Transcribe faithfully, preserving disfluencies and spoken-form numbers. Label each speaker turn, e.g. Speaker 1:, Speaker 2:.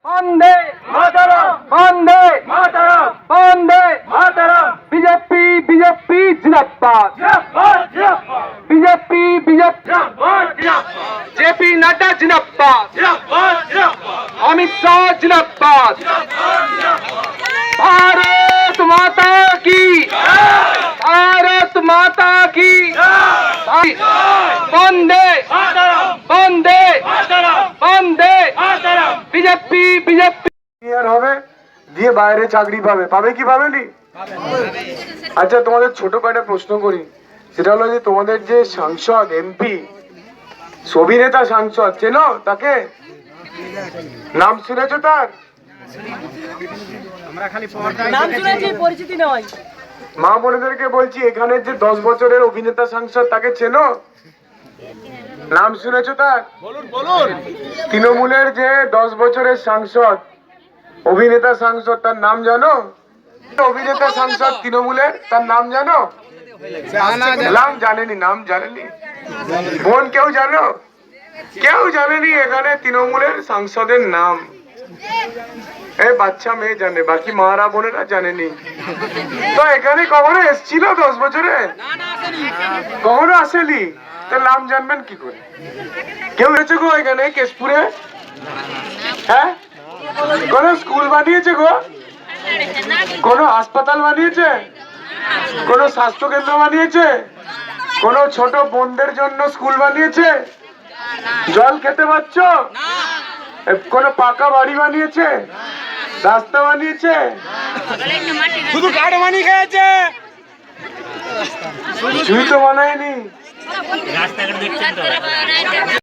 Speaker 1: বন্দে Mataram, Bande Mataram, Bande Mataram. BJP BJP জিন্দাবাদ, BJP BJP JP Nadda জিন্দাবাদ, অমিত শাহ জিন্দাবাদ। भारत माता की, भारत माता की। বন্দে বন্দে বন্দে বিজেপি বিজেপি
Speaker 2: হবে দিয়ে বাইরে চাকরি পাবে, পাবে কি পাবে নি? আচ্ছা তোমাদের ছোট কয়েকটা প্রশ্ন করি, সেটা হলো যে তোমাদের যে সাংসদ এমপি অভিনেতা সাংসদ চেনো তাকে? নাম শুনেছো তার?
Speaker 3: নাম শুনেছি, পরিচিতি নয়।
Speaker 2: মা বোনেদেরকে বলছি, এখানের যে দশ বছরের অভিনেতা সাংসদ তাকে চেনো? নাম শুনেছো তার?
Speaker 4: বলুন বলুন।
Speaker 2: তৃণমূলের যে দশ বছরের সাংসদ অভিনেতা সাংসদ তার নাম জানো? অভিনেতা সাংসদ তৃণমূলের তার নাম জানো? নাম জানেনি, নাম জানেনি। বোন কেউ জানো? কেউ জানেনি এখানে তৃণমূলের সাংসদের নাম। এই বাচ্চা মেয়ে জানে, বাকি মারা বোনেরা জানেনি। তো এখানে কখনো এসছিল দশ বছরে? কখনো আসেনি, তার নাম জানবেন কি করে? কেউ এসেছে গো এখানে কেশপুরে? হ্যাঁ, কোন স্কুল বানিয়েছে গো? কোন হাসপাতাল বানিয়েছে? কোন স্বাস্থ্য কেন্দ্র বানিয়েছে? কোন ছোট বোনদের জন্য স্কুল বানিয়েছে? জল খেতে পাচ্ছ? কোন পাকা বাড়ি বানিয়েছে? রাস্তা বানিয়েছে?
Speaker 4: শুধু কাঠ বানিয়ে খেয়েছে,
Speaker 2: কিছুই তো বানায়নি।
Speaker 5: রাস্তাঘাট দেখছেন তো।